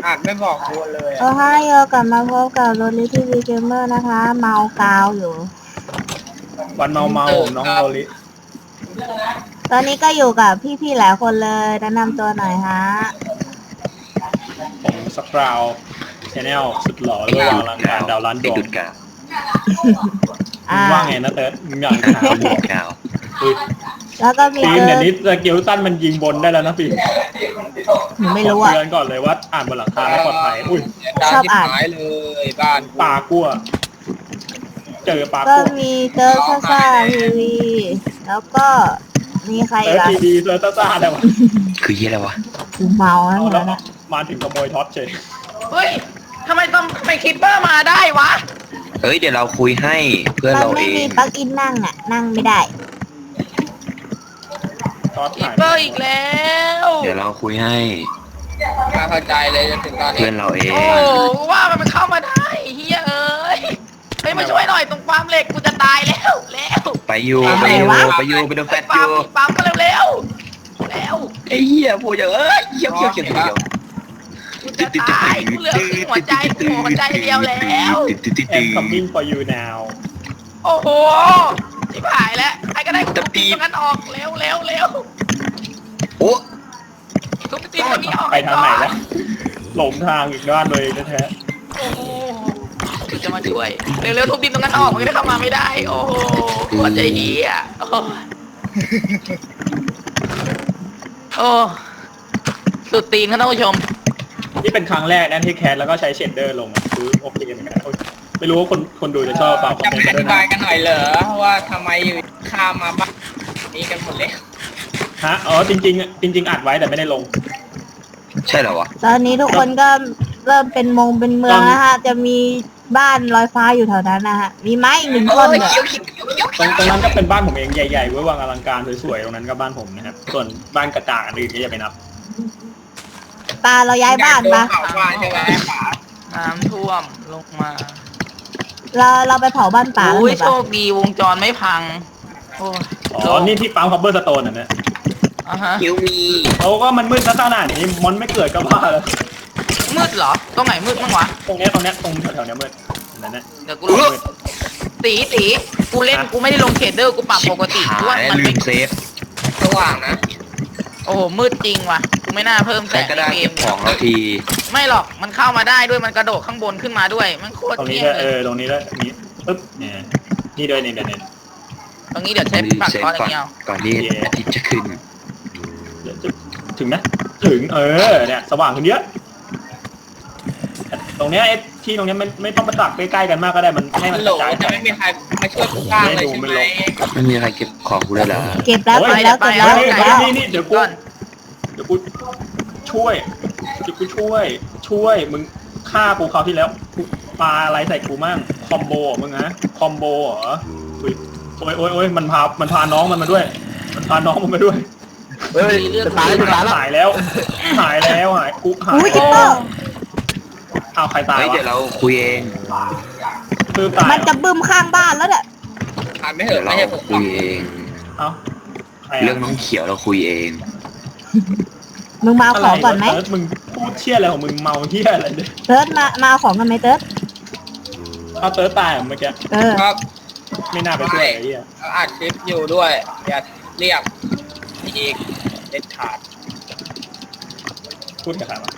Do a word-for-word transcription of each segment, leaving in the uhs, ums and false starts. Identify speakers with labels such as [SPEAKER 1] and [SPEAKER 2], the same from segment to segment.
[SPEAKER 1] อาจไม่บอกกูเลย
[SPEAKER 2] โอ้ไฮโอกลับมาพบกับโรลิทีวีเกมเมอร์นะคะ เมากาวอยู่
[SPEAKER 3] วันเมาเมาผมน้องโรลิ
[SPEAKER 2] ตอนนี้ก็อยู่กับพี่ๆหลายคนเลยแนะนำตัวหน่อยฮะ
[SPEAKER 3] ผมสคราวชแนลสุดหล่อระหว่างรังการดาวล้านดวงมึงว่าไงนะเติร์ดมึงอยากหาบวก
[SPEAKER 2] แล้วก็มี
[SPEAKER 3] ปีนเดี๋ยวนี้สกิลตันมันยิงบนได้แล้วนะปีน
[SPEAKER 2] หนูไม่รู้อ่ะ
[SPEAKER 3] เตือนก่อนเลยว่าอ่านบนหลังคาไม่ปลอดภัยอุ้ย
[SPEAKER 2] ชอบอ่าน
[SPEAKER 1] เลยบ้าน
[SPEAKER 3] ปลากั้วเจอปลา
[SPEAKER 2] ก็
[SPEAKER 3] กั้ว
[SPEAKER 2] มีเติร์ดซ่าซ่าทีวีแล้วก็มีใครอีกอ่ะ
[SPEAKER 3] ทีวีเติร์ดซ่าซ่าได้วะ
[SPEAKER 4] คือยี่อะไรวะ
[SPEAKER 2] เมาแล้วเหรอนะ
[SPEAKER 3] มาถึงขโมยท็อปเฉย
[SPEAKER 5] เฮ้ยทำไมต้องไปคิปเปอร์มาได้วะ
[SPEAKER 4] เฮ้ยเดี๋ยวเราคุยให้เพื่อนเราเอง
[SPEAKER 2] มันไม่มีปลั๊กอินนั่งอ่ะนั่งไม่ได้
[SPEAKER 5] คิปเปอร์อีกแล้ว
[SPEAKER 4] เดี๋ยวเราคุยให้
[SPEAKER 1] มาเข้าใจเลยจนถึงตอนนี้
[SPEAKER 4] เพื่อนเราเอง
[SPEAKER 5] โอ้ว่ามันเข้ามาได้เฮียเอ้ยเฮ้ยมาช่วยหน่อยตรงฟาร์มเหล็กกูจะตายแล้วแล้ว
[SPEAKER 4] ไปอยู่ไปอยู่ไปอยู่ไปโดนแฟตอยู่
[SPEAKER 5] ปั๊มมาเร็วๆแล้ว
[SPEAKER 4] ไอ้เหี้ยพูดอย่างเอ้ยเขี้ยวเขี้ยวเขี้ยวเขี้ยว
[SPEAKER 5] กูจะตายกูเหลือหัวใจหัวใจเดียวแล้ว
[SPEAKER 3] แอม coming for you now
[SPEAKER 5] โอ้โหชิบหายแล้วใครก็ได้ทุบตีตรงนั้นออกเร็วเร็วเร็ว
[SPEAKER 4] โอ้
[SPEAKER 5] ทุบตีตรงนี้ออก
[SPEAKER 3] ไปทางไหนแล้วหลงทางอีกด้านเลยแท้
[SPEAKER 5] โอ้โหจะมาช่วยเร็วๆทุบดินตรงนั้นออกมันก็ได้เข้ามาไม่ได้โอ้โหหัวใจเหี้ยโอ้โอ้สุดตีนครับท่านผู้ชม
[SPEAKER 3] นี่เป็นครั้งแรกนะที่แคสแล้วก็ใช้เชดเดอร์ลงคือโอเคเหมือนกันไม่รู้ว่าคนคนดูจะชอบเปล่าคอมเมนต์
[SPEAKER 1] อ
[SPEAKER 3] มาด้วยนะ
[SPEAKER 1] ธิบายกันหน่อยเหรอว่าทำไมอยู่ข้ามมาบ้านนี้กันหมดเลย
[SPEAKER 3] ฮะอ๋อจริงๆจริงๆอัดไว้แต่ไม่ได้ลง
[SPEAKER 4] ใช่เหรอวะ
[SPEAKER 2] ตอนนี้ทุกคนก็เริ่มเป็นมงเป็นเมืองนะฮะจะมีบ้านลอยฟ้าอยู่แถวนั้นนะฮะมีไม้อีกหนึ่งต้นเนี่ย
[SPEAKER 3] ตรงตรงนั้นก็เป็นบ้านผมเองใหญ่ๆไว้วางอลังการสวยๆตรงนั้นก็บ้านผมนะครับส่วนบ้านกระจาดอันอื่นก็อย่าไปนับ
[SPEAKER 2] ปลาเราย้ายบ้านปะ
[SPEAKER 1] ใช่ไหม
[SPEAKER 5] น้ำท่วมลงมา
[SPEAKER 2] เราเราไปเผาบ้านป่า
[SPEAKER 5] อุ้ยโชคดีวงจรไม่พังโอ้
[SPEAKER 3] อ๋อนี่ที่ปั๊มคัพเบอร์สโตนอ่ะเนี่ย
[SPEAKER 5] อ่ะฮะ
[SPEAKER 4] คิวมี
[SPEAKER 3] เขาก็มันมืดซะขนาดนี้มอนไม่เกิดก็ว่าเลย
[SPEAKER 5] มืดเหรอตรงไหนมืดบ้างวะ
[SPEAKER 3] ตรงนี้ตรงนี้ตรงแถวๆนี้มืดนั่นแหละ
[SPEAKER 5] เดี๋ยวกูลงตีตีกูเล่นกูไม่ได้ลงเชดเดอร์กูปรับปกติด้วยมันไม่
[SPEAKER 4] เซฟ
[SPEAKER 1] สว่างนะ
[SPEAKER 5] โอ้โหมืดจริงว่ะกูไม่น่าเพิ่มแต่
[SPEAKER 4] ก็ได้เก็บของเราที
[SPEAKER 5] ไม่หรอกมันเข้ามาได้ด้วยมันกระโดดข้างบนขึ้นมาด้วยมันโคตร
[SPEAKER 3] ตรงนี้เออตรงนี้แล้วนี้ปึ๊บเนี่ยนี่ด้วยนี่เดี๋ยวนี้
[SPEAKER 5] ตรงนี้เดี๋ยวใช้ปักก้อนอย่างเงี้ย
[SPEAKER 4] ก่อนที่อาทิตย์จะขึ้น
[SPEAKER 3] ถึงนะถึงเออเนี่ยสว่างขึ้นเยอะตรงเนี้ยไอ้ที่ตรงเนี้ยไม่ไม่ต้องประตักใกล้ๆกันมากก็ได้มันให้มันกระจาย
[SPEAKER 1] จะไม่มีใครมาช่วยกูก้างเลยใช่ไหม
[SPEAKER 4] ไม่มีใครเก็บของกูเลยเหรอ
[SPEAKER 2] เก็บแล้วเก็บแล้วเก็บแล้ว
[SPEAKER 3] นี่นี่เดี๋ยวกูเดี๋ยวกูช่วยเดี๋ยวกูช่วยช่วยมึงฆ่ากูคราวที่แล้วปลาอะไรใส่กูมั่งคอมโบมึงนะคอมโบเหรอโอ้ยโอ้ยโอ้ยมันพามันพาน้องมันมาด้วยมันพาน้องมันมาด้วย
[SPEAKER 4] เฮ้ยจะตายจะตายแล้ว
[SPEAKER 3] หายแล้วหายแล้วหายกูหายอ้าวใครตายวะ
[SPEAKER 4] เดี๋ยวเราคุยเอง
[SPEAKER 2] มันจะบึ้มข้างบ้านแล้วเนี่ย
[SPEAKER 1] ผ่านไม่เหอะ
[SPEAKER 4] เราคุยเอง
[SPEAKER 3] เอ้า
[SPEAKER 4] เรื่องน้องเขียวเราคุยเอง
[SPEAKER 2] มึงมาของก่อนไหม
[SPEAKER 3] มึงพูดเชี่ยอะไรของมึงเมาเชี่ยอะไรเนี่ย
[SPEAKER 2] เติร์ดมามาของกันไหมเติร์ด
[SPEAKER 3] เอาเติร์ดตายเมื่อกี้
[SPEAKER 1] ครับ
[SPEAKER 3] ไม่น่าไปช่วยไอ้เหี้ย
[SPEAKER 1] อัดคลิปอยู่ด้วยอย่าเรียกอีกเด็ดขาด
[SPEAKER 3] พูดกับใครวะ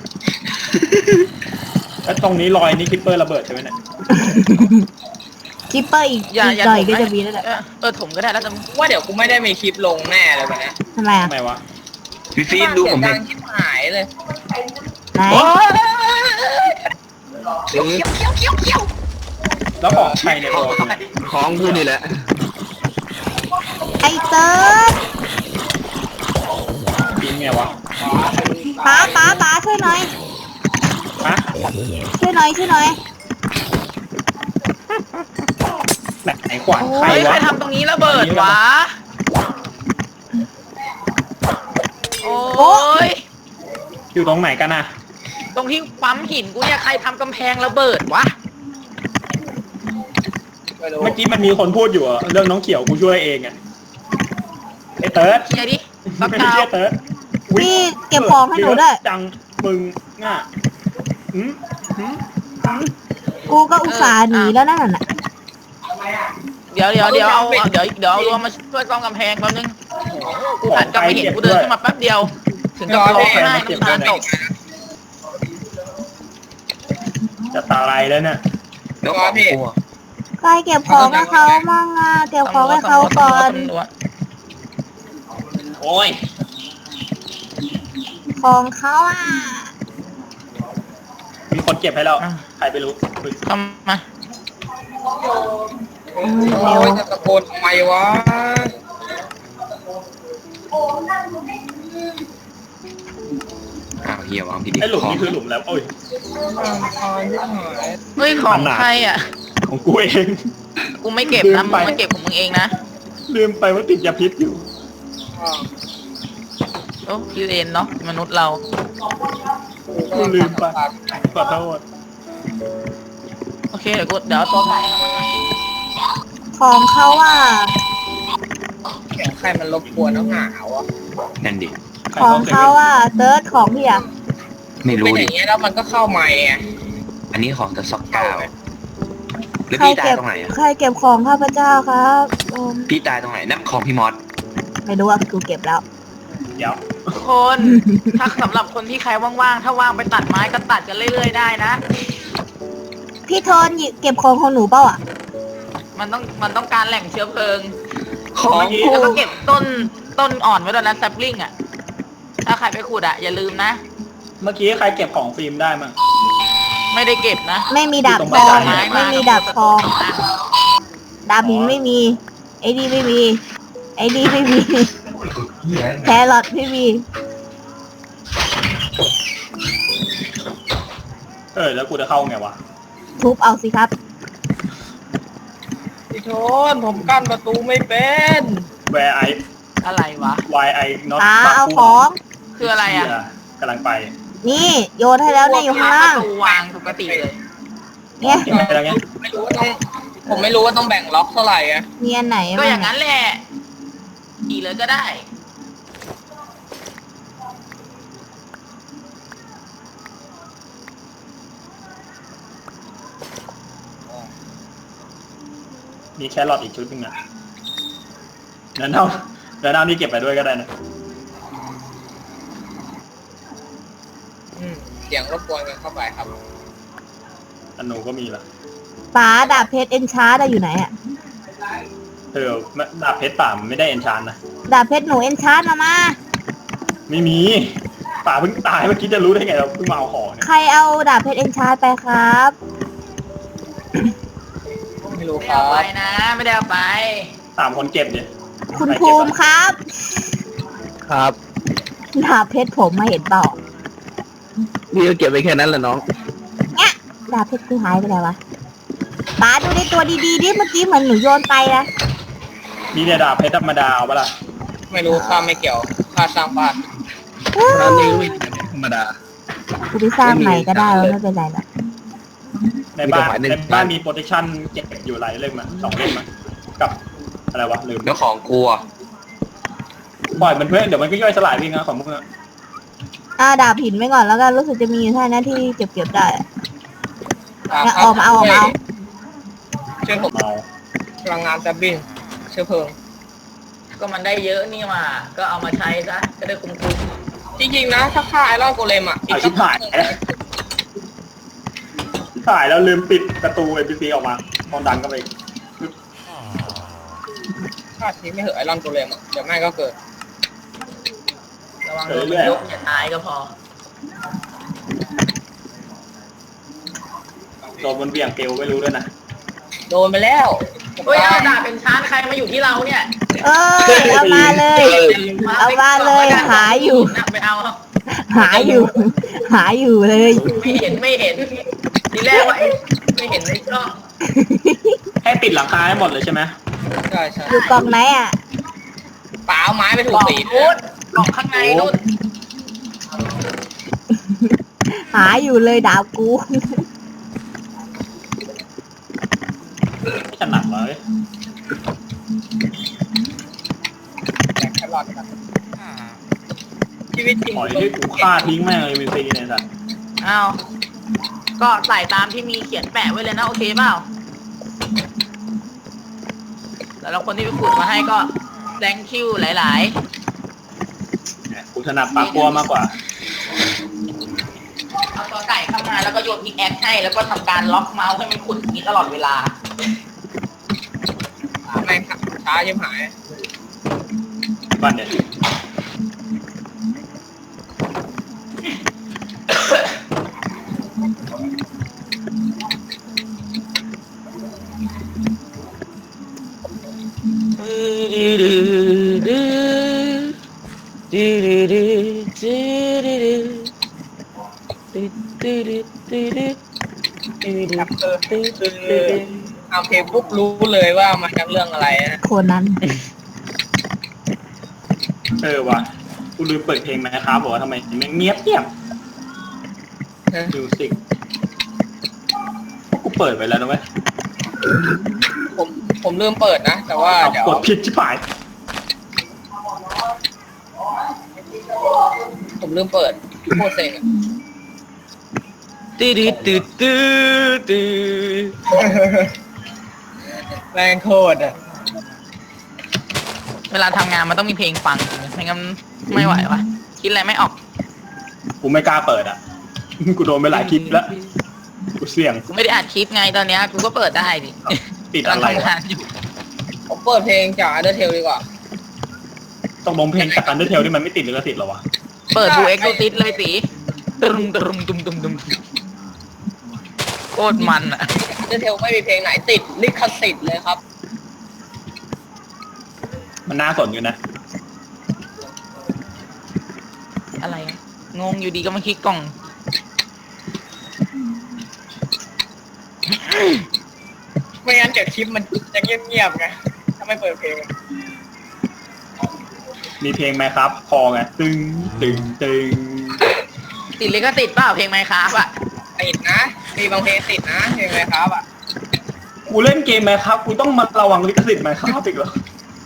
[SPEAKER 3] แล้วตรงนี้รอยนี่คิปเปอร์ระเบิดใช่ไหมเนี่ย
[SPEAKER 2] คิปเปอร์อีกอีกหน่อยก็จะมีแล้วแหละ
[SPEAKER 5] เออถมก็ได้แล้วแต่
[SPEAKER 1] ว่าเดี๋ยวกูไม่ได้มีคลิปลงแน่เลยวันนี้
[SPEAKER 2] ทำไมอ่ะ
[SPEAKER 3] ทำไมวะ
[SPEAKER 4] พี่ฟิล์มดูผมเห็น
[SPEAKER 1] หายเลย
[SPEAKER 2] ไหน
[SPEAKER 3] แล้วของใครเนี่ย
[SPEAKER 4] ของกูนี่แหละ
[SPEAKER 2] ไอเติร์ด
[SPEAKER 3] ปีนไงวะ
[SPEAKER 2] ป้าป้าป้าช่วยหน่อย
[SPEAKER 3] ฮะ
[SPEAKER 2] ช่วยหน่อยช่วยหน่อย
[SPEAKER 3] แบบไหนขวานใครวะ
[SPEAKER 5] ใครทำตรงนี้ระเบิดวะโอ้ย
[SPEAKER 3] อยู่ตรงไหนกันนะ
[SPEAKER 5] ตรงที่ปั๊มหินกูเนี่ยใครทำกำแพงระเบิดวะ
[SPEAKER 3] เมื่อกี้มันมีคนพูดอยู่เรื่องน้องเขียวกูช่วยเองอ่ะไอ้เติร์ด
[SPEAKER 5] เฮียดิ
[SPEAKER 3] ไม่ใช่เติร์ด
[SPEAKER 2] พี่เก็บของให้หนูด้วย
[SPEAKER 3] จังมึงง่ะหืมหืม
[SPEAKER 2] กูก็อุตส่าห์หนีแล้วนั่นน่ะ
[SPEAKER 5] เดี๋ยวเดี๋ยวเดี๋ยวเอาเอาเดี๋ยวเดี๋ยวเอารวมมาช่วยซ่อมกำแพงแป๊บนึงกูหันกลับมาเห็นกูเดินขึ้นมาแป๊บเดียว ถึงกับร้องไห้น้ำตาตก
[SPEAKER 3] จะตายแล้วเนี่ย
[SPEAKER 4] แล้วของกลัว
[SPEAKER 2] ใครเก็บของให้เขามั่งอ่ะเก็บของให้เขาก่อน
[SPEAKER 5] ตำรวจ
[SPEAKER 3] โอ้ย
[SPEAKER 2] ของเขาอ่ะ
[SPEAKER 3] มีคนเก็บให้แล้วใครไปรู้อุ๊ย
[SPEAKER 5] ทำมา
[SPEAKER 2] อืม
[SPEAKER 1] โอ้
[SPEAKER 2] เร็วย
[SPEAKER 1] จะตะโกนทำไมวะ
[SPEAKER 4] อ้าวเฮียวางผิดอีก
[SPEAKER 3] ไอ้หลุม
[SPEAKER 4] ของ
[SPEAKER 3] นี่คือหลุมแล้วโอ้ย
[SPEAKER 5] เฮ้ยของใครอ่ะ
[SPEAKER 3] ของกูเอง
[SPEAKER 5] กูไม่เก็บนะมึงมาเก็บของมึงเองนะ
[SPEAKER 3] ลืมไปว่าติดยาพิษอยู่
[SPEAKER 5] โอ้พี่เรนเนาะมนุษย์เรา
[SPEAKER 3] กูลืมไปขอโทษ
[SPEAKER 5] โอเคเดี๋ยวกูเดี๋ยวเอาตัวไป
[SPEAKER 2] ของเขาอ่ะ
[SPEAKER 1] เสียงใครมันรบกวนแล้วหนาวอ่ะ
[SPEAKER 4] นั่นดิ
[SPEAKER 2] ของเขาอ่ะเติร์ดของพี่อ่ะ
[SPEAKER 4] ไม่
[SPEAKER 1] เป็
[SPEAKER 4] รู้
[SPEAKER 1] นอ
[SPEAKER 4] ดิ
[SPEAKER 1] ย่างเงี้ยแล้วมันก็เข้าใหม่ไง
[SPEAKER 4] อันนี้ของตะซอกก้าวแล้ว
[SPEAKER 2] ใคร
[SPEAKER 4] พี่ตาย
[SPEAKER 2] เก็บ
[SPEAKER 4] ตรงไหนอ่ะ
[SPEAKER 2] ใครเก็บของข้าพเจ้าครับอืม
[SPEAKER 4] พี่ตายตรงไหนนั่นของพี่มอส
[SPEAKER 2] ไม่รู้อ่ะกูเก็บแล้ว
[SPEAKER 3] เดี๋ยว
[SPEAKER 5] ทุกคน ถ้าสำหรับคนที่ใครว่างๆ ถ้าว่างไปตัดไม้ก็ตัดกันเรื่อยๆได้นะ
[SPEAKER 2] พี่โทนหยิบเก็บของของหนูเปล่าอ่ะ
[SPEAKER 5] มันต้องมันต้องการแหล่งเชื้อเพลิง
[SPEAKER 4] ของกู
[SPEAKER 5] แล้วก็เก็บต้นต้นอ่อนไว้ตอนนั้นแซปลิงอ่ะ ถ้าใครไปขุดอ่ะอย่าลืมนะ
[SPEAKER 3] เมื่อกี้ใครเก็บของฟิล์มได้มั้ง
[SPEAKER 5] ไม่ได้เก็บนะ
[SPEAKER 2] ไม่มีดาบ
[SPEAKER 3] อยู่
[SPEAKER 2] ท
[SPEAKER 3] ตรง
[SPEAKER 2] อง
[SPEAKER 3] บันได
[SPEAKER 2] ไม่มีดาบทอง ดาบหินไม่มี ไอ้ดีไม่มี ไอ้ดีไม่มี แครอทไม่มี
[SPEAKER 3] เออแล้วกูจะเข้าไงวะ
[SPEAKER 2] ทุบเอาสิครับ
[SPEAKER 1] พี่โทนผมกั้นประตูไม่เป็น
[SPEAKER 3] Where I
[SPEAKER 5] อะไรวะ
[SPEAKER 3] Why I not
[SPEAKER 2] ตาเอาของ
[SPEAKER 5] คืออะไรอ่ะ
[SPEAKER 3] กำลังไป
[SPEAKER 2] นี่โยนให้แล้วเนี่ยอยู่ข้างล่าง
[SPEAKER 5] ประตูวางปกติเลย
[SPEAKER 2] เนี่ย
[SPEAKER 3] เก็บไปแล้วไง
[SPEAKER 1] ไม่รู้ว่าต้อง ผมไม่รู้ว่าต้องแบ่งล็อกเท่าไหร่อะ
[SPEAKER 2] มีอันไหน
[SPEAKER 5] ก็
[SPEAKER 2] บ้าง
[SPEAKER 5] อย่างนั้นแหละขี่เลยก็ได้
[SPEAKER 3] มีแครอทอีกชุดหนึงอ่ะเดี๋ยวเอาเดี๋ยวเอานี่เก็บไปด้วยก็ได้นะ
[SPEAKER 1] อืมเสียงรบกวนกันเข้าไปครับ
[SPEAKER 3] อันหนูก็มีละ
[SPEAKER 2] ป๋าดาบเพชรเอนชาร์ดอยู่ไหนอ่ะ
[SPEAKER 3] เออดาบเพชรป่ามันไม่ได้เอนชานนะ
[SPEAKER 2] ดาบเพชรหนูเอนชาร์ดมามา
[SPEAKER 3] ไม่มีป่าเพิ่งตายเมื่อกี้จะรู้ได้ไงเราเพิ่งมาเอาของเนี่ย
[SPEAKER 2] ใครเอาดาบเพชรเอนชาร์ดไปครับ
[SPEAKER 1] ไม่รู้
[SPEAKER 5] ไม่
[SPEAKER 1] ค
[SPEAKER 5] ได้
[SPEAKER 1] รั
[SPEAKER 5] เอาไป
[SPEAKER 1] บ
[SPEAKER 5] นะ ไม่ได้เอาไป
[SPEAKER 3] สามคนเก็บเนี่ย
[SPEAKER 2] คุณภูมิครับ
[SPEAKER 6] ครับ
[SPEAKER 2] ดาบเพชรผมมาเห็นเปล่า
[SPEAKER 6] พี่ก็เก็บไปแค่นั้นแหละน้อง
[SPEAKER 2] เนี่ยดาบเพชรคือหายไปแล้ววะป๋าดูในตัวดีๆดิเมื่อกี้เหมือนหนูโยนไปนะ
[SPEAKER 3] นี่เนี่ยดาบเพชรธรรมดาเอาปะล่ะ
[SPEAKER 1] ไม่รู้ข้าไม่เกี่ยวข้าสร้างบ้าน
[SPEAKER 6] ร้านนี้ก็ไม่ธรรมดา
[SPEAKER 2] กูไปสร้างใหม่ก็ได้แล้วไม่เป็นไรหรอก
[SPEAKER 3] ในบ้าน
[SPEAKER 6] มีกฎหมายหนึ่ง
[SPEAKER 3] ในบ้านมีโปรเทคชั่นเก็บอยู่หลายเล่มอะสองเล่มอะกับอะไรวะลืม
[SPEAKER 4] แล้วของกูอ่ะ
[SPEAKER 3] ปล่อยมันเพื่อนเดี๋ยวมันก็ย่อยสลายไปเองนะของมึงอะ
[SPEAKER 2] อ่าดาบหินไว้ก่อนแล้วกันรู้สึกจะมีอยู่แค่นั้นที่เก็บเก็บๆได้อะ
[SPEAKER 1] อ่ะ
[SPEAKER 2] เนี่ย
[SPEAKER 1] ครั
[SPEAKER 2] เอามาเอาเอามาเอา
[SPEAKER 1] ช่วยผม
[SPEAKER 3] เอา
[SPEAKER 1] พลังงานแซบบินเชื้อเพลิง
[SPEAKER 5] ก็มันได้เยอะนี่มา ก็เอามาใช้ซะ จะได้คุ้ม
[SPEAKER 1] จริงๆนะ ถ้าฆ่าไอรอนโกเลมอ่ะ
[SPEAKER 3] เอาชิบหายแล้วชิบหายแล้วลืมปิดประตูเอพีซีออกมาตอนดันก็ไป
[SPEAKER 1] ฆ่าทิ้งไม่เหอะไอรอนโกเลมอ่ะ เดี๋ยวแม่งก็เกิด
[SPEAKER 5] ๆระวังโดนมันยกอย่าตายก็พอ
[SPEAKER 3] โดนบนเบี่ยงเกลไม่รู้ด้วยนะ
[SPEAKER 1] โดนไปแล้ว
[SPEAKER 5] เฮ้ยเอาดาบเป็นชานใครมาอยู่ที่เราเนี่ย
[SPEAKER 2] เอ้ยเอามาเลย เอามาเลยหาอยู่
[SPEAKER 5] ไปเอา
[SPEAKER 2] หาอยู่ หาอยู่เลย
[SPEAKER 5] ไม่เห็นไม่เห็น ทีแรกว่าเอ๊ะไม่เห็นในกล้อง
[SPEAKER 3] ให้ปิดหลังคาให้หมดเลยใช่ไหม
[SPEAKER 1] ใช่ใช่
[SPEAKER 2] อยู่กล่องไหนอ่ะ
[SPEAKER 1] ป่าเอาไม้ไปถู
[SPEAKER 5] ก
[SPEAKER 1] ก
[SPEAKER 5] ล่อง
[SPEAKER 1] สี
[SPEAKER 5] นู้นกล่องข้างในนู้น
[SPEAKER 2] หาอยู่เลยดาวกู
[SPEAKER 3] ไม่ถนัดเลย
[SPEAKER 1] แจกแครอทครับชีวิตจริง
[SPEAKER 3] ปล่อยให้กูฆ่าทิ้งแม่งเลยเอพีซีเนี่ยสัตว์
[SPEAKER 5] อ้าวก็ใส่ตามที่มีเขียนแปะไว้เลยนะโอเคเปล่าแล้วคนที่ไปขุดมาให้ก็ thank you หลายๆ
[SPEAKER 3] กูถนัดปลากัวมากกว่า
[SPEAKER 5] เอาตัวไก่เข้ามาแล้วก็โยนพิกแอคให้แล้วก็ทำการล็อกเมาส์ให้มันขุดอย่างนี้ตลอดเวลา
[SPEAKER 1] แม่งช้าชิบหาย
[SPEAKER 3] บ้านเนี่ย
[SPEAKER 1] ครับคือคือเอาเพลงปุ๊บรู้เลยว่ามาจากเรื่องอะไรนะ
[SPEAKER 2] โคนัน
[SPEAKER 3] เออว่ะกูลืมเปิดเพลงนะครับบอกว่าทำไมมันเงียบเงียบมิวสิกกูเปิดไปแล้วนะเว้ย
[SPEAKER 1] ผมผมลืมเปิดนะ แต่ว่าเดี๋ยว
[SPEAKER 3] กดผิดชิบหาย
[SPEAKER 1] ผมลืมเปิดโคตรเซ็งอะ
[SPEAKER 5] ตื้อตื้อตื้อตื้อตื้อ
[SPEAKER 1] แรงโคตรอ่ะ
[SPEAKER 5] เวลาทำงานมันต้องมีเพลงฟังไม่งั้นไม่ไหววะคิดอะไรไม่ออก
[SPEAKER 3] กูไม่กล้าเปิดอ่ะ กูโดนไปหลายคลิปแล้วกูเสี่ยง
[SPEAKER 5] กูไม่ได้อัดคลิปไงตอนเนี้ยกูก็เปิดได้ดิ
[SPEAKER 3] ติด
[SPEAKER 5] กำลั
[SPEAKER 3] อะ
[SPEAKER 5] ง
[SPEAKER 3] ไร
[SPEAKER 5] ทำ
[SPEAKER 3] วะ
[SPEAKER 5] งานอยู่
[SPEAKER 1] ผมเปิดเพลงจาก Undertale ดีกว่า
[SPEAKER 3] ต้องลงเพลงจากอันเดอร์เทลที่มันไม่ติดลิขสิทธิ์หรอวะ
[SPEAKER 5] เปิดดูเอ็กซ์ติสเลยสิตึมตึมตึมตึมตึมโคตรมันอ่ะ
[SPEAKER 1] Undertale ไม่มีเพลงไหนติดลิขสิทธิ์เลยครับ
[SPEAKER 3] มันน่าสนอยู่นะ
[SPEAKER 5] อะไรอะงงอยู่ดีก็มาคลิกกล่อง
[SPEAKER 1] ไม่งั้นเดี๋ยวคลิปมันจะเงียบๆไงถ้าไม่เปิดเพลงอะ
[SPEAKER 3] มีเพลงไหมครับ พอไง ตึงตึงตึง
[SPEAKER 5] ติดเลยก็ติดเปล่าเพลงไมค์ครับอ่ะ
[SPEAKER 1] ติดนะ มีบางเพลงติดนะเพลงอะไรครับอ่ะ
[SPEAKER 3] กูเล่นเกมไหมครับ กูต้องมาระวังลิขสิทธิ์ไหมครับอีกเหรอ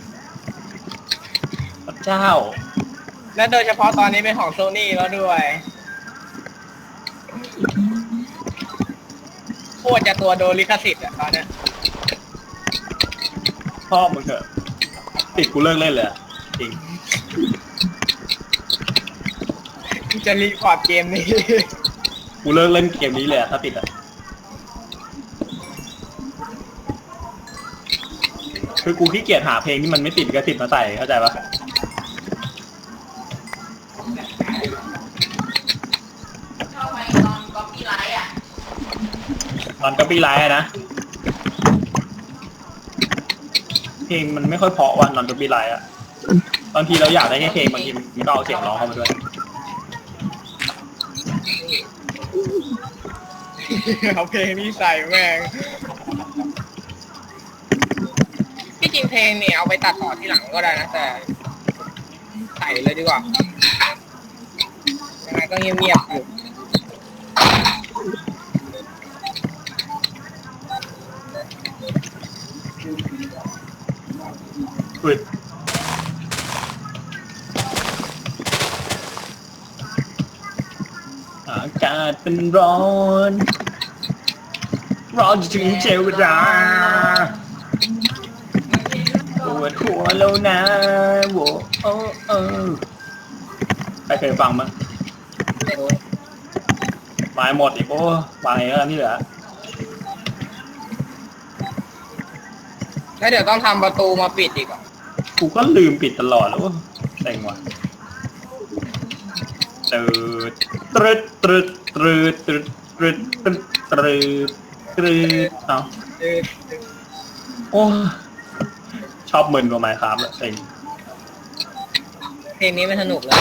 [SPEAKER 3] พระเจ้า
[SPEAKER 1] และโดยเฉพาะตอนนี้เป็นของโซนี่แล้วด้วยโคตรจะตัวโดนลิขสิทธิ์อะตอนเนี้ย
[SPEAKER 3] พ่อมึงเถอะติดกูเลิกเล่นเลยอะจริง
[SPEAKER 1] จะรีพอร์ตเกมนี้
[SPEAKER 3] กูเลิกเล่นเกมนี้เลยอะถ้าติดอะคือกูขี้เกียจหาเพลงที่มันไม่ติดลิขสิทธิ์มาใส่เข้าใจปะ
[SPEAKER 5] เข้าไปตอนก๊อปปี้ไลท์อ่ะ
[SPEAKER 3] นอนกับปีไลท์อะนะ เพลงมันไม่ค่อยเพราะวันนอนกับปีไลท์อะบางทีเราอยากได้แค่เพลงบางทีมันก็เอาเสียงร้องเข้ามาด้วย
[SPEAKER 1] เอาเพลงนี้ใส่แม่งที่จริงเพลงเนี่ยเอาไปตัดต่อที่หลังก็ได้นะแต่ใส่เลยดีกว่ายังไงก็เงียบๆอยู่
[SPEAKER 3] อุ้ยอากาศเป็นร้อนร้อนจนถึงเจเวลาปวดหัวแล้วนะโว้โอ้เออใครเคยฟังมั้ย
[SPEAKER 1] ไม่รู้
[SPEAKER 3] ไม้หมดอีกโอ้วางเองแล้วนี่เหรอ
[SPEAKER 1] แล้วเดี๋ยวต้องทำประตูมาปิดอีกอ่ะ
[SPEAKER 3] กูก็ลืมปิดตลอดแล้วเซ็งว่ะตืดตรึดตรึดตรึดตรึดตรึดตรึดตรึดตรึดเอา
[SPEAKER 1] คือ
[SPEAKER 3] โอ้ชอบมึนกว่าไมค์ครับแหละเซ็ง
[SPEAKER 1] เพลงนี้ไม่สนุกเลย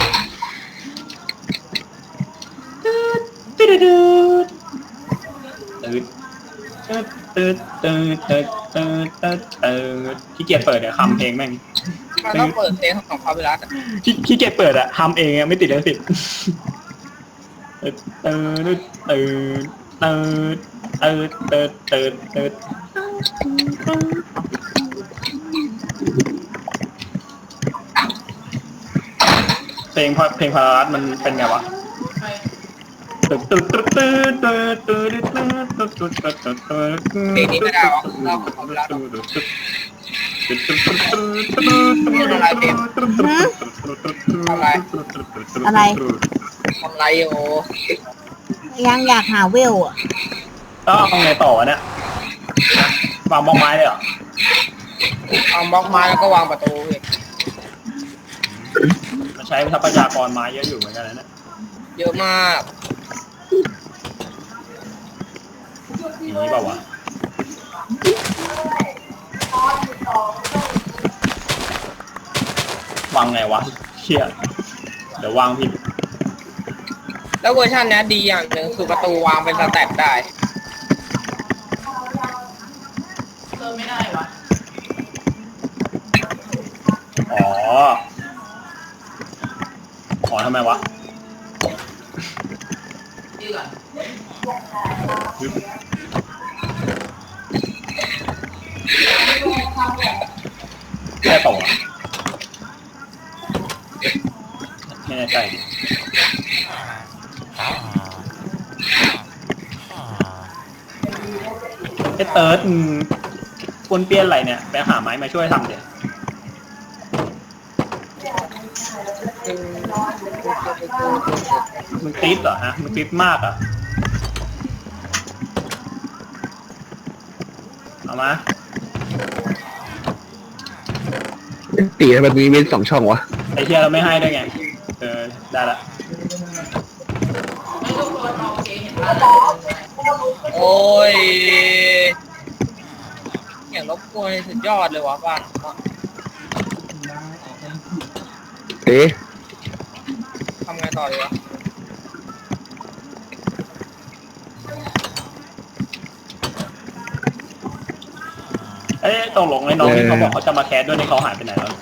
[SPEAKER 3] ตืดตืดตืดตืดตืดตืดตืดตืดตืดขี้เกียจเปิดเนี่ยคำเพลงแม่ง
[SPEAKER 1] มันต้องเปิดเพลงของคาเวลัสอะ
[SPEAKER 3] ขี้ขี้เกียจเปิดอะทำเองอะไม่ติดเลยติดตืดตืดตืดตืดตืดตืดตืดเพลงเพลงพารารัสมันเป็นไงวะ
[SPEAKER 1] เพลงนี้ไม่ได้หรอกเราขอเวลาดูอะไร
[SPEAKER 2] อะไร
[SPEAKER 1] ทำไรอยู่
[SPEAKER 2] ยังอยากหาเวลอ่ะ
[SPEAKER 3] ก็เอาไงต่อเนี่ย วางบล็อกไม้เลยเหรอ
[SPEAKER 1] เอาบล็อกไม้แล้วก็วางประตูเลย
[SPEAKER 3] มันใช้ทรัพยากรไม้เยอะอยู่เหมือนกันนะเนี่ย
[SPEAKER 1] เยอะมาก
[SPEAKER 3] อย่างนี้เปล่าวะวางไงวะเชี่ยเดี๋ยววางผิด
[SPEAKER 1] แล้วเวอร์ชันนี้ดีอย่างหนึ่งคือประตูวางเป็นสแต็กได้
[SPEAKER 5] เติมไม่ได้วะ
[SPEAKER 3] อ๋อ อ๋อทำไมวะ
[SPEAKER 5] ดีก่อน
[SPEAKER 3] แค่ต่อไม่แน่ใจดิไอ้เติร์ดปวนเปี้ยนอะไรเนี่ย ไปหาไม้มาช่วยทำเดี๋ยวมึงติดเหรอฮะมึงติดมากอ่ะ เอามา
[SPEAKER 6] ตีทำไมมีเว้นสองช่องวะ
[SPEAKER 3] ไอ้เทียเราไม่ให้ได้ไง เออ ได้ละ
[SPEAKER 5] ไม่ทุกคนโอเคเห็นป่ะ
[SPEAKER 1] โอ้ยอย่างรบกวนสุดยอดเลยวะบ้าน
[SPEAKER 6] เอ๊ะ
[SPEAKER 1] ทำไงต่อดีวะ
[SPEAKER 3] เอ้ยตกลงไอ้น้องที่เขาบอกเขาจะมาแคสด้วยในเขาหายไปไหนแล้ว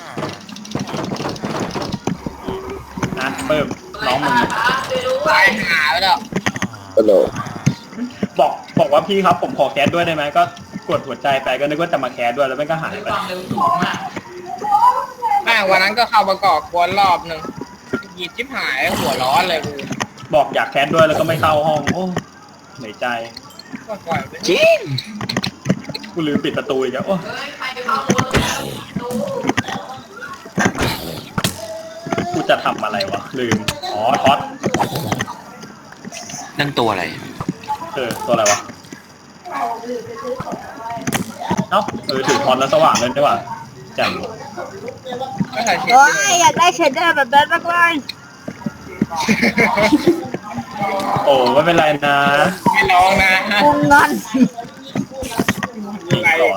[SPEAKER 3] นะเพิ่มน้องมึง
[SPEAKER 1] ตายหาไปแล้ว
[SPEAKER 6] ฮัลโหล
[SPEAKER 3] บอกบอกว่าพี่ครับผมขอแคสด้วยได้ไหมก็กดหัวใจไปก็นึกว่าจะมาแคสด้วยแล้วมันก็หายไป
[SPEAKER 5] ความเร็วสูงมาก
[SPEAKER 1] แม่งวันนั้นก็เข้าประกอบกวนรอบหนึ่งหยิบชิบหายหัวร้อนเลยกู
[SPEAKER 3] บอกอยากแคสด้วยแล้วก็ไม่เข้าห้องโอ้เหนื่อยใจ
[SPEAKER 1] ก็ปล่อยไป
[SPEAKER 4] จริง
[SPEAKER 3] กูลืมปิดประตูอีกแล้วโอ้
[SPEAKER 5] เฮ้ยใครไปเข้าตัวแล้วดู
[SPEAKER 3] กูจะทำอะไรวะลืมอ๋อท็อต
[SPEAKER 4] นั่นตัวอะไร
[SPEAKER 3] เออตัวอะไรวะเอ้าเออถือท็อตแล้วสว่างเลยได้ป่ะแจ่ม
[SPEAKER 1] ก็ใส่เช็ด
[SPEAKER 2] โอ้ยอยากได้เชดเดอร์แบบนั้นมากเลย
[SPEAKER 3] โอ้ไม่เป็นไรนะ
[SPEAKER 1] ไม่ร้องนะ
[SPEAKER 2] กูงอน
[SPEAKER 3] จริงเหรอ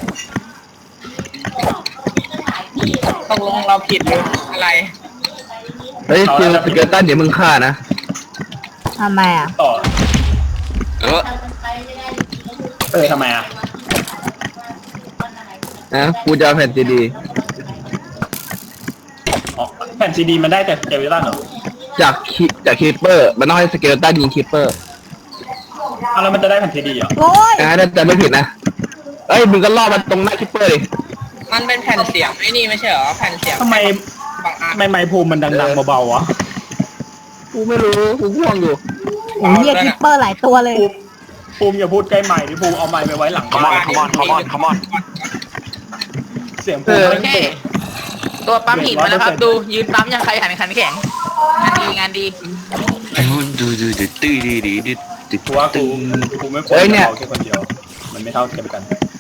[SPEAKER 1] ตกลงเราผิดหรืออะไร
[SPEAKER 6] เฮ้ยคือสเกลตันเดี๋ยวมึงฆ่านะ
[SPEAKER 2] ทำไมอ่ะ
[SPEAKER 3] ต่อ
[SPEAKER 4] เออ
[SPEAKER 3] เออทำไมอ่ะ
[SPEAKER 6] นะกูจะเอาแผ่นซีดี
[SPEAKER 3] อ๋อแผ่นซีดีมันได้แต่เจวิลันเหรอ
[SPEAKER 6] จากคิจากคีปเปอร์มันต้องให้สเกลตันยิงคีปเปอร์
[SPEAKER 3] เอาแล้วมันจะได้แผ่นซีดีเหรอ
[SPEAKER 2] โอ้ย
[SPEAKER 6] นะถ้าจะไม่ผิดนะเอ้ยมึงก็ล่อมันตรงหน้าคีปเปอร์ดิ
[SPEAKER 1] มันเป็นแผ่นเสียงไอ้นี่ไม่ใช่เหรอแผ่นเสียง
[SPEAKER 3] ทำไม
[SPEAKER 1] บางอัน
[SPEAKER 3] ทำไมไมค์ภูมิมันดังๆเบาๆวะ
[SPEAKER 6] กูไม่รู้กูง่วงอยู่
[SPEAKER 2] โอ้ยเรียกคิปเปอร์หลายตัวเลย
[SPEAKER 3] ภูมิภูมิอย่าพูดใกล้ไมค์ที่ภูมิเอาไมค์ไปไว้หลัง
[SPEAKER 4] ขมอนขมอนขมอนขมอน
[SPEAKER 3] เสียงภูมิ
[SPEAKER 5] โอ
[SPEAKER 3] มัน
[SPEAKER 5] เค
[SPEAKER 3] เปิด
[SPEAKER 5] ตัวปั๊มหินมาแล้วครับ ดูยืนปั๊มยังใครหันขันแข็งงานดีงานดี
[SPEAKER 4] ดูดูดูตื้อดีดีดีดี
[SPEAKER 3] กูว่ากูกูไม่ควรจะเอาแค่คนเดียว มันไม่เท่ากันกัน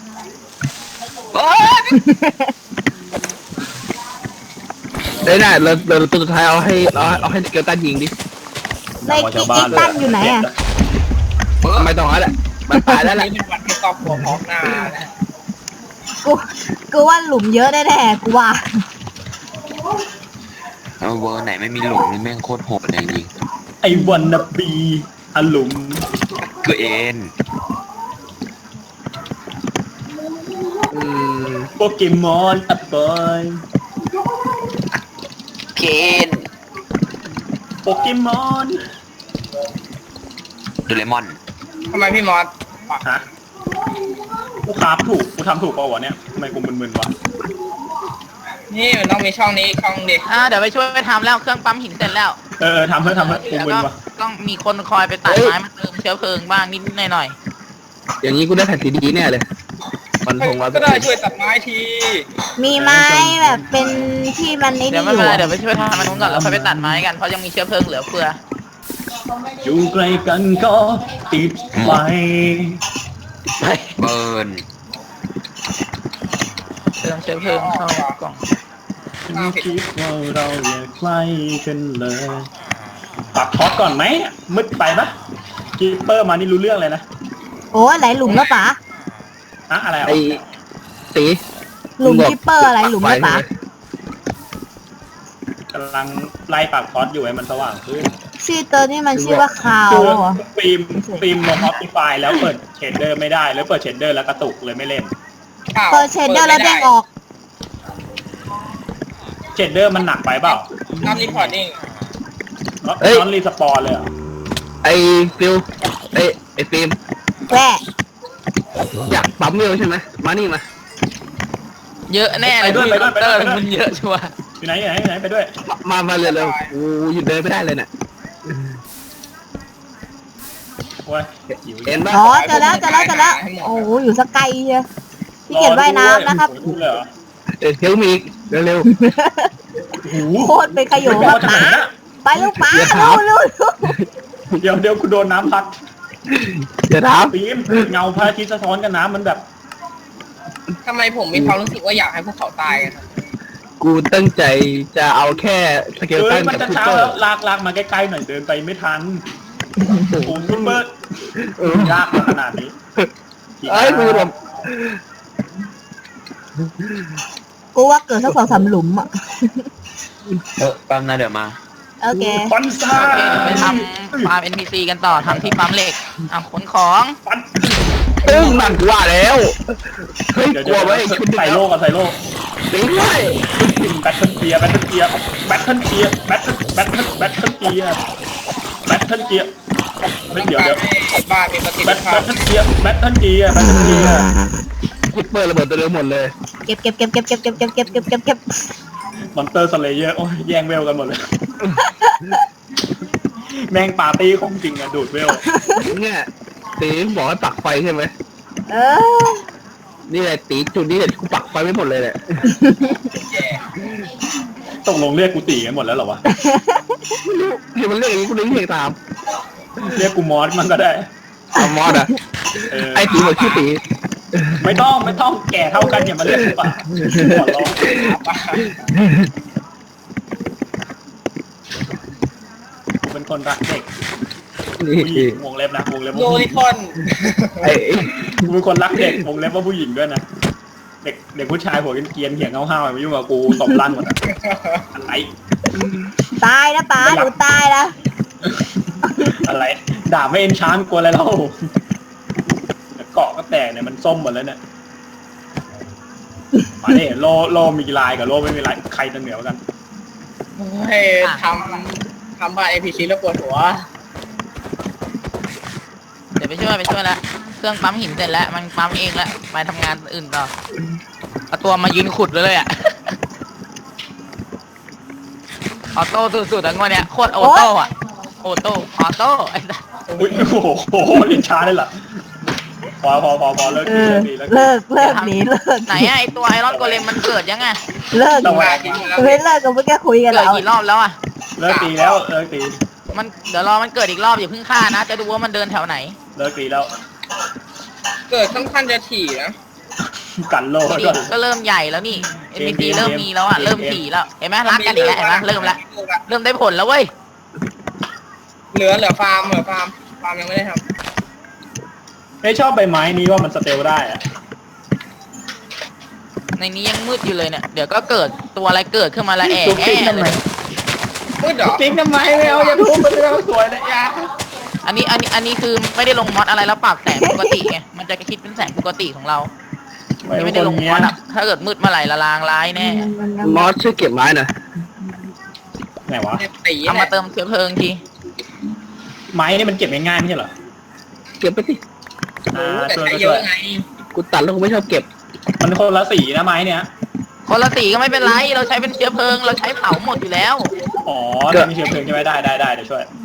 [SPEAKER 6] เอ้ยน่ะเราเราตัวสุดท้ายเอาให้เอาเอาให้สเกลตันยิงดิ
[SPEAKER 2] เลยคิกคิกตันอยู่ไหนอ่ะ
[SPEAKER 6] ไม่ต้องแล้วแหละมันตายแล้วแหละ
[SPEAKER 1] นี่เป็นวันที่ครอบครัวพร้อมหน้านะ
[SPEAKER 2] กูกูว่าหลุมเยอะแน่ๆกูว่า
[SPEAKER 4] เอาเวอร์ไหนไม่มีหลุมนี่แม่งโคตรโหดเลยจริง
[SPEAKER 3] ไอ้วันนบีอลุม
[SPEAKER 4] คือเอ็น
[SPEAKER 6] อืม
[SPEAKER 3] โปเกมอนอัปเปอร์
[SPEAKER 4] เคน
[SPEAKER 3] โปเกมอน
[SPEAKER 4] โดเรมอน
[SPEAKER 1] ทำไมพี่มอส
[SPEAKER 3] ฮะกูคราฟถูกกูทำถูกเปล่าวะเนี่ยทำไมกูมึนๆวะ
[SPEAKER 1] นี่มันต้องมีช่องนี้อีกช่องเดียว
[SPEAKER 5] อ่าเดี๋ยวไปช่วยทำแล้วเครื่องปั๊มหินเสร็จแล้ว
[SPEAKER 3] เออทำเพื่อทำเพื่อกู
[SPEAKER 5] แล้ว
[SPEAKER 3] มึน
[SPEAKER 5] ก็
[SPEAKER 3] วะ
[SPEAKER 5] ก็ต้องมีคนคอยไปตัดไม้มาเติมเชื้อเพลิงบ้างนิดๆหน่อย
[SPEAKER 6] อย่างนี้กูได้แผ่นซีดีแน่เลยมันคงว่า
[SPEAKER 1] ก็ได้ช่วยตัดไม้ที
[SPEAKER 2] มีไม้แบบเป็นที่มันไอ้
[SPEAKER 5] ๆเดี๋ยว
[SPEAKER 2] นี่
[SPEAKER 5] ไม่
[SPEAKER 2] อ
[SPEAKER 5] เป็นไร
[SPEAKER 2] ยู่
[SPEAKER 5] เดี๋ยวไปช่วยทำมันนู้นก่อนแล้วค่อยไปตัดไม้กันเพราะยังมีเชื้อเพลิงเหลือเฟือ
[SPEAKER 3] อยู่ใกล้กันก็ติดไฟ
[SPEAKER 5] ไป
[SPEAKER 4] เบิร์น
[SPEAKER 5] เติมเชื้อเพลิงเข้ากล่อง
[SPEAKER 3] ฉันคิดว่าเราอย่าใกล้กันเลยปักท็อตก่อนไหมมืดไปปะคีเปอร์มานี่รู้เรื่องเลยนะ
[SPEAKER 2] โอ้ยไหลหลุมแล้วป๋า
[SPEAKER 3] อะอะไรอ่ะ
[SPEAKER 6] ไอ้ตี
[SPEAKER 2] หลุมคิปเปอร์อะไรหลุมแล้วป๋าก
[SPEAKER 3] ำลังไล่ปักท็อตอยู่ให้มันสว่างขึ้น
[SPEAKER 2] ชื่อตัวนี้มันชื่อว่าคาว
[SPEAKER 3] คือ
[SPEAKER 2] เหรอ
[SPEAKER 3] ฟิล์มฟิล์มลงออปติฟายแล้วเปิดเชดเดอร์ไม่ได้แล้วเปิดเชดเดอร์แล้วกระตุกเลยไม่เล่น
[SPEAKER 2] เปิดเชดเดอร์แล้วเด้งออก
[SPEAKER 3] เชดเดอร์มันหนักไปเปล่า
[SPEAKER 1] ทำรีพอร์ตเอง
[SPEAKER 3] น้อนรีสปอนเลยเหรอ
[SPEAKER 6] ไอ้ฟิลไอ้ไอ้ฟิล์ม
[SPEAKER 2] แว่
[SPEAKER 6] อยากปั๊มเร็วใช่ไหมมานี่มา
[SPEAKER 5] เยอะแน่เลยพี่ดอกเตอร์มันเยอะชัวร์
[SPEAKER 3] อยู่ไหนอยู่ไหนอยู่ไหนไปด้วย
[SPEAKER 6] มามาเร็วเร็วกูหยุดเดินไม่ได้เลยเนี่ย
[SPEAKER 3] โอ้ยหิว
[SPEAKER 6] เห็นปะ
[SPEAKER 2] อ๋อเจอแล้วเจอแล้วเจอแล้วโอ้โหอยู่สักไกลเชียวพี่เกียจว่ายน้ำนะครับ
[SPEAKER 3] พูดเลยเหรอ
[SPEAKER 6] เออเทลมีอีกเร็วเร็ว
[SPEAKER 3] หู
[SPEAKER 2] โคตรเป็นขยโยงครับป๋าไปลูกป๋าเร็วเร็ว
[SPEAKER 3] เดี๋ยวเดี๋ยวกูโดนน้ำพัด
[SPEAKER 6] เดี๋ยวถาม
[SPEAKER 3] ฟิล์มเงาพระอาทิตย์สะท้อนกับน้ำมันแบบ
[SPEAKER 1] ทำไมผมมีความรู้สึกว่าอยากให้พวกเขาตายกันครับ
[SPEAKER 6] กูตั้งใจจะเอาแค่สเกล
[SPEAKER 3] เอ้
[SPEAKER 6] ตั
[SPEAKER 3] ย
[SPEAKER 6] น
[SPEAKER 3] มัน
[SPEAKER 6] กับ
[SPEAKER 3] จะ
[SPEAKER 6] คู
[SPEAKER 3] เช้า
[SPEAKER 6] เปอ
[SPEAKER 3] แล้ว
[SPEAKER 6] ร์
[SPEAKER 3] ลากลากมาใกล้ๆหน่อยเดินไปไม่ทันโอ้โหซุปเปอร์
[SPEAKER 6] เออย
[SPEAKER 3] ากมาขนาดนี้
[SPEAKER 6] เอ้ยกูแบบ
[SPEAKER 2] กูว่าเกิดสักสองสามหลุมอ่ะ
[SPEAKER 4] เออแปั๊มนะเดี๋ยวมา
[SPEAKER 2] โอเค
[SPEAKER 3] ฟันซ่า
[SPEAKER 5] โอเคเดี๋ยวไปทำฟาร์ม เอ็น พี ซี กันต่อทำที่ปั๊มเหล็กอ่ะขนของ
[SPEAKER 3] ฟัน
[SPEAKER 6] ตึ้งนั่นกูว่าแล้วเฮ้ย
[SPEAKER 3] เดี๋ยว
[SPEAKER 6] กลัวไว้ยชุด
[SPEAKER 3] ใส่โลกก่อนใส่โลก
[SPEAKER 6] ตีไว้
[SPEAKER 3] แบทเทิลเกียร์แบทเทิลเกียร์แบทเทิลเกียร์แบทเทิลแบทเทิลแบทเทิลเกียร์แบทเทิลเกียร์เฮ้ยเดี๋ยวเดี๋ยว
[SPEAKER 1] ให้บ้านมีประสิท
[SPEAKER 3] แบ
[SPEAKER 1] ธิ
[SPEAKER 3] ท
[SPEAKER 1] ภา
[SPEAKER 3] แบ
[SPEAKER 1] พ
[SPEAKER 3] ทเทิลเกียร์แบทเทิลเกียร์แบทเทิลเกียร์
[SPEAKER 6] คูเปอร์ระเบิดตัวเดียวหมดเลย
[SPEAKER 2] เก็บเก็บเก็บเก็บเก็บเก็บเก็บเก็บเก็บเก็บเก็บ
[SPEAKER 3] มอนเตอร์สเลเยอร์โอ้ยแย่งเวลกันหมดเลย แม่งปาร์ตี้ของจริงอะดูดเวล
[SPEAKER 6] เนี่ยตีบอกให้ปักไฟใช่ไหม
[SPEAKER 2] เออ
[SPEAKER 6] นี่แหละตีจุดนี้เนี่ยกูปักไฟไม่หมดเลยแหละ
[SPEAKER 3] ตกลงเรียกกูตีกันหมดแล้วเหรอวะ
[SPEAKER 6] เห็นมันเรียกอย่างนี้กูนึกเพลงตาม
[SPEAKER 3] เรียกกูมอสมันก็ได้
[SPEAKER 6] อามอสอะ
[SPEAKER 3] เออ
[SPEAKER 6] ไอ้ตีบอกชื่อตี
[SPEAKER 3] ไม่ต้องไม่ต้องแก่เท่ากันอย่ามาเรียกกูป่ะขอร้องกูเป็นคนรักเด็ก
[SPEAKER 6] นี่
[SPEAKER 3] ผู้หญิงวงเล็บนะวงเล็บ
[SPEAKER 1] โล
[SPEAKER 3] ว่าผู้ห
[SPEAKER 1] ลิ
[SPEAKER 3] ญิง
[SPEAKER 1] คอน
[SPEAKER 6] ไอ้
[SPEAKER 3] กูเป็นคนรักเด็กวงเล็บว่าผู้หญิงด้วยนะเด็กเด็กผู้ชายหัวเกรียนๆเหี่ยงห้าวๆมายุ่งกับกูตบลั่นหมดอะอะไร
[SPEAKER 2] ตายนะป๋าหนูตายนะ
[SPEAKER 3] อะไรด่าไม่เอ็นชานกลัวอะไรเราเกาะก็แตกเนี่ยมันส้มหมดแล้วเนี่ยมาเนี่ยโลโลมีลายกับโลไม่มีลายใครจะเหนือกว่ากัน
[SPEAKER 1] เฮ้ยทำทำบ้านเอพีซีแล้วปวดหัว
[SPEAKER 5] เดี๋ยวไปช่วยไปช่วยละเครื่องปั๊มหินเสร็จแล้วมันปั๊มเองแล้วไปทำงานอื่นต่อเอาตัวมายืนขุดเลยเลยอ่ะ ออโต้สุดๆทั้งวันเนี้ยโคตรออโต้อะออโต้ออโต้ไอ้สัส
[SPEAKER 3] อุ้ยโอ้โหโอ้โหเอ็นชานเลยเหรอพอพอพอพอเลิก
[SPEAKER 2] เอ
[SPEAKER 3] ดี
[SPEAKER 2] อ
[SPEAKER 3] เลิกดีเลิกดี
[SPEAKER 2] เลิกเลิกหนีเลิก
[SPEAKER 5] ไหนอะไอตัวไอรอนโกเลมมันเกิดยังไง
[SPEAKER 2] เลิก
[SPEAKER 3] ระแวง
[SPEAKER 2] ไม่เลิกก็ไม่แค่คุยกัน
[SPEAKER 5] เกิด
[SPEAKER 2] แล้ว
[SPEAKER 5] กี่รอบแล้วอะ
[SPEAKER 3] เลิกตีแล้วเลิกตี
[SPEAKER 5] มันเดี๋ยวรอมันเกิดอีกรอบอย่าเพิ่งฆ่านะ จะดูว่ามันเดินแถวไหน
[SPEAKER 3] เลิกตีแล้ว
[SPEAKER 1] เกิดค่อนข้างจะถี่นะ
[SPEAKER 3] กันโล
[SPEAKER 5] ดี
[SPEAKER 3] ด้วย
[SPEAKER 5] ก็เริ่มใหญ่แล้วนี่ เอ็น พี ซี
[SPEAKER 3] เกม
[SPEAKER 5] เริ่มมีแล้วอะ
[SPEAKER 3] เกม
[SPEAKER 5] เริ่มถี่แล้วเห็นไหมรักกันอีกแล้วเห็นไหมเริ่มแล้วเริ่มได้ผลแล้วเว้ย
[SPEAKER 1] เหลือเหลือฟาร์มเหลือฟาร์มฟาร์มยังไม่ได้ท
[SPEAKER 3] ไม่ชอบใบไม้นี้ว่ามันสเตลได้อะ
[SPEAKER 5] ในนี้ยังมืดอยู่เลยเนี่ยเดี๋ยวก็เกิดตัวอะไรเกิดขึ้นมาละแอะ
[SPEAKER 3] ตุ๊กติ๊ก
[SPEAKER 5] แอะ
[SPEAKER 3] ทำ
[SPEAKER 5] เล
[SPEAKER 3] ไม
[SPEAKER 5] ย
[SPEAKER 1] ำมืดเหรอ
[SPEAKER 3] ติ๊กทำไมไม่เอาอย่าทุบมันเอาสวยนะยา
[SPEAKER 5] อันนี้อันนี้อันนี้คือไม่ได้ลงมอดอะไรแล้วปรับแสงปกติไงมันจะคิดเป็นแสงปกติของเรา
[SPEAKER 3] ไม่
[SPEAKER 5] ไม่
[SPEAKER 3] เป็
[SPEAKER 5] ได้
[SPEAKER 3] น
[SPEAKER 5] ล
[SPEAKER 3] ค
[SPEAKER 5] ง
[SPEAKER 3] น
[SPEAKER 5] ม
[SPEAKER 3] เนี้
[SPEAKER 5] อย ดอะถ้าเกิดมืดเมื่อไหร่ละลางร้ายแน่
[SPEAKER 6] มอสช่วยเก็บไม้หน่อย
[SPEAKER 3] ไหนวะ
[SPEAKER 1] ตี
[SPEAKER 5] เอามาเติมเชื้อเพลิงที
[SPEAKER 3] ไม้นี่มันเก็บง่ายๆไม่ใช่เหรอ
[SPEAKER 6] เก็บไปสิ
[SPEAKER 3] อ่า
[SPEAKER 1] แต่
[SPEAKER 3] ช่วย
[SPEAKER 1] ใช้
[SPEAKER 3] ก็
[SPEAKER 1] เย
[SPEAKER 3] ช่วย
[SPEAKER 1] อะไง
[SPEAKER 6] กูตัดแล้วกูไม่ชอบเก็บ
[SPEAKER 3] มันคนละสีนะไม้เนี่ย
[SPEAKER 5] คนละสีก็ไม่เป็นไรเราใช้เป็นเชื้อเพลิงเราใช้เผาหมดอยู่แล้ว
[SPEAKER 3] อ๋อจะมีเชื้อเพลิงใช่ไหมได้ได้ได้เดี๋ยวช่วย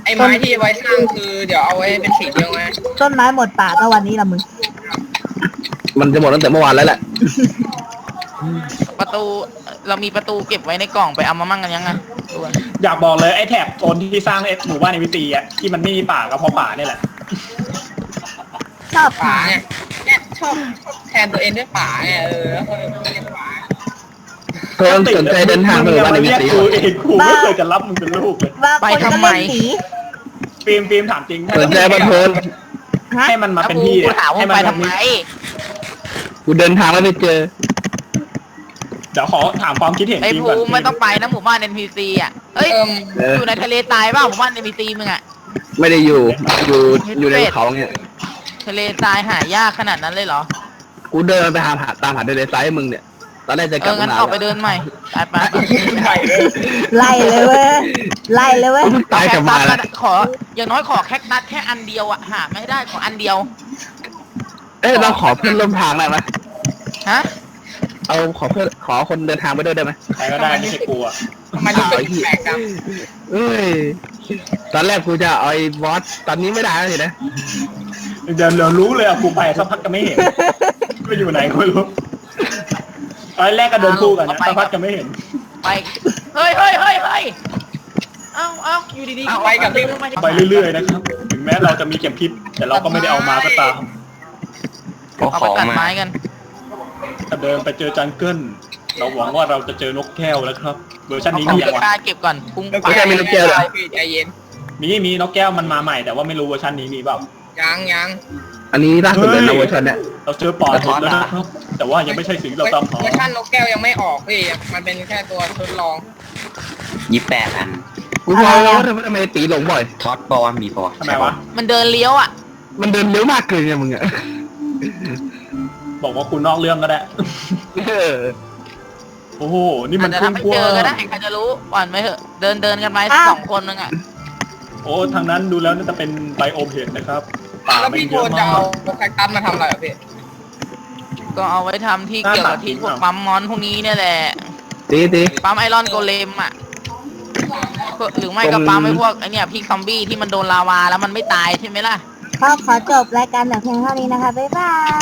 [SPEAKER 1] ไอ้ไม้ที่ไว้สร้างคือเดี๋ยวเอาไว้เป็นสีเดียวไง
[SPEAKER 2] ต้นไม้หมดป่าก็วันนี้ละมึง
[SPEAKER 6] มันจะหมดตั้งแต่เมื่อวานแล้วแหละ
[SPEAKER 5] ประตูเรามีประตูเก็บไว้ในกล่องไปเอามามั่งกันยังไงดูกัน
[SPEAKER 3] อยากบอกเลยไอ้แถบโซนที่สร้างไอ้หมู่บ้านในวิตีอ่ะที่มันไม่มีป่าก็เพราะป่าเนี่ยแหละ
[SPEAKER 2] ชอบ
[SPEAKER 1] ป่า
[SPEAKER 2] ป่า
[SPEAKER 1] ไงเนี่ยชอบชอบแทนตัวเองด้วยป่าไงเออแล้วก็เลยเรียกป่า
[SPEAKER 6] เพิ่มสนใจเดินทางไปหมู่บ้านในวิ
[SPEAKER 3] เรียก
[SPEAKER 6] ตี
[SPEAKER 3] กูเองกูไม่เคยจะรับมึงเป็นลูกเลย
[SPEAKER 2] บางคนก็เล่นหนี
[SPEAKER 3] ฟิล์มฟิล์มถามจริง
[SPEAKER 6] สนใจมาเพิ่ม
[SPEAKER 2] ฮะ
[SPEAKER 3] ให้มันมาเป็น
[SPEAKER 5] กู
[SPEAKER 3] พี่
[SPEAKER 5] กูถามว่า
[SPEAKER 3] ให้
[SPEAKER 5] ไป
[SPEAKER 3] มัน
[SPEAKER 5] ทำไม
[SPEAKER 6] กูเดินทางแล้วไปเจอ
[SPEAKER 3] เดี๋ยวขอถามความคิดเห็น
[SPEAKER 5] ไอ้
[SPEAKER 3] ฟิล์ม
[SPEAKER 5] ภู
[SPEAKER 3] ก่อน
[SPEAKER 5] มิไม่ต้องไปนะหมู่บ้าน เอ็น พี ซี อ่ะเอ้ย
[SPEAKER 1] เอิ่ม
[SPEAKER 6] เออ
[SPEAKER 5] อยู่ในทะเลตายเปล่าหมู่บ้าน เอ็น พี ซี มึงอ่ะ
[SPEAKER 6] ไม่ได้อยู่ อยู่อยู่ในเขาเนี่ย
[SPEAKER 5] ทะเลตายหายากขนาดนั้นเลยเหรอ
[SPEAKER 6] กูเดินไปหาหาตามหาเดลไซด์มึงเนี่ย ตอนแรกจะ
[SPEAKER 5] เอก
[SPEAKER 6] ลับ
[SPEAKER 5] องั้น
[SPEAKER 6] มา
[SPEAKER 5] ออกไปเดินใหม่ไปไปไป
[SPEAKER 1] ใหญ่เลย
[SPEAKER 2] ไล่เลยเว้ยไล่เลยเว้ย
[SPEAKER 6] กูเพิ่งตายกลับมาแล้ว
[SPEAKER 5] ขออย่างน้อยขอแคคตัสแค่อันเดียวอ่ะหาไม่ได้ขออันเดียว
[SPEAKER 6] เอ้ยเราขอเพื่อนร่วมทางได้ไหม
[SPEAKER 5] ฮะ
[SPEAKER 6] เอาขอเพื่อนขอคนเดินทางไปด้วยได้ไหม
[SPEAKER 3] ใครก็ได้ไม่ใช่กูอ่ะ
[SPEAKER 1] ทำไมรู้สึกแปลกจัง
[SPEAKER 6] เอ้ย ตอนแรกกูจะเอาไอ้บอส ตอนนี้ไม่ได้แล้วสินะ
[SPEAKER 3] เดี๋ยวเรารู้เลยอ่ะกูไปสักพักก็ไม่เห็นไปอยู่ไหนก็ไม่รู้ตอนแรกก็เดินคู่กันนะสักพักก็ไม่เห็น
[SPEAKER 5] ไปเฮ้ยเฮ้ยเฮ้ยเฮ้ยเอ้าเอ้าอยู่ดีๆ
[SPEAKER 1] เอาไปกับพี่
[SPEAKER 3] ไปเรื่อยๆนะครับถึงแม้เราจะมีเข็มทิศแต่เราก็ไม่ได้เอามาก็ตาม
[SPEAKER 4] ก็
[SPEAKER 5] เอา
[SPEAKER 4] ข
[SPEAKER 5] ไป
[SPEAKER 4] อ
[SPEAKER 5] ตัด
[SPEAKER 4] มา
[SPEAKER 5] ไม้กัน
[SPEAKER 3] ถ้าเดินไปเจอจังเกิลเราหวังว่าเราจะเจอนกแก้วแล้วครับเวอร์ชันนี้
[SPEAKER 5] เอา
[SPEAKER 3] มี
[SPEAKER 5] เก็
[SPEAKER 3] ยั
[SPEAKER 5] บ
[SPEAKER 3] งวะ
[SPEAKER 5] กล้าเก็บก่อนปุ้ง
[SPEAKER 1] ไม่
[SPEAKER 5] ปัง
[SPEAKER 1] ใช่ไม่รู้เจอหรอพี่ใจเย็น
[SPEAKER 3] มีมีนกแก้วมันมาใหม่แต่ว่าไม่รู้เวอร์ชันนี้มีเปล่า
[SPEAKER 1] ยังยัง
[SPEAKER 6] อันนี้ล่าสุดเลยนะเวอร์ชันเนี่ย
[SPEAKER 3] เราเจอปอดหมดแล้วนะครับแต่ว่ายังไม่ใช่สิ่งที่เราตามหา
[SPEAKER 1] เวอร์ชันนกแก้วยังไม่ออกพี่มันเป็นแค่ตัวทดลอง
[SPEAKER 4] ยี่แปดอัน
[SPEAKER 6] กูพอแล้วว่าทำไมทำไมตีหลงบ่อย
[SPEAKER 4] ท็อตปอวะมีปอ
[SPEAKER 3] ทำไมวะ
[SPEAKER 5] มันเดินเลี้ยวอ่ะ
[SPEAKER 6] มันเดินเร็วมากเกินไงมึงอะ
[SPEAKER 3] บอกว่าคุณนอกเรื่องก็ได้
[SPEAKER 6] เออ
[SPEAKER 3] โอ้โหนี่มัน
[SPEAKER 5] อาจจะ
[SPEAKER 3] ครึ่ง
[SPEAKER 5] ทำให้
[SPEAKER 3] ก
[SPEAKER 5] เจ
[SPEAKER 3] ว้า
[SPEAKER 5] อก็ได้
[SPEAKER 3] ง
[SPEAKER 5] ใครจะรู้ก่อนไหมเหอะเดินเดินกันไปสองคนนึงอ่ะ
[SPEAKER 3] โอ้ทางนั้นดูแล้วน่าจะเป็นไบโอมเห็ดนะครับป่า
[SPEAKER 1] แล้ว
[SPEAKER 3] ไม่
[SPEAKER 1] พี่
[SPEAKER 3] เย
[SPEAKER 1] โท
[SPEAKER 3] อะ
[SPEAKER 1] นจะ
[SPEAKER 3] มา
[SPEAKER 1] เอา
[SPEAKER 3] ก
[SPEAKER 1] แคคตัสมาทำอะไรอ่ะพี่
[SPEAKER 5] ก็เอาไว้ทำที่เกี่ยวกับที่พวกปั๊มมอนพวกนี้เนี่ยแหละ
[SPEAKER 6] ตีตี
[SPEAKER 5] ปั๊มไอรอนโกเลมอ่ะหรือไม่ก็ปั๊มไอ้พวกไอเนี่ยพี่ซอมบี้ที่มันโดนลาวาแล้วมันไม่ตายใช่ไหมล่ะ
[SPEAKER 2] ก็ขอจบรายการแต่เพียงเท่านี้นะคะ บ๊ายบาย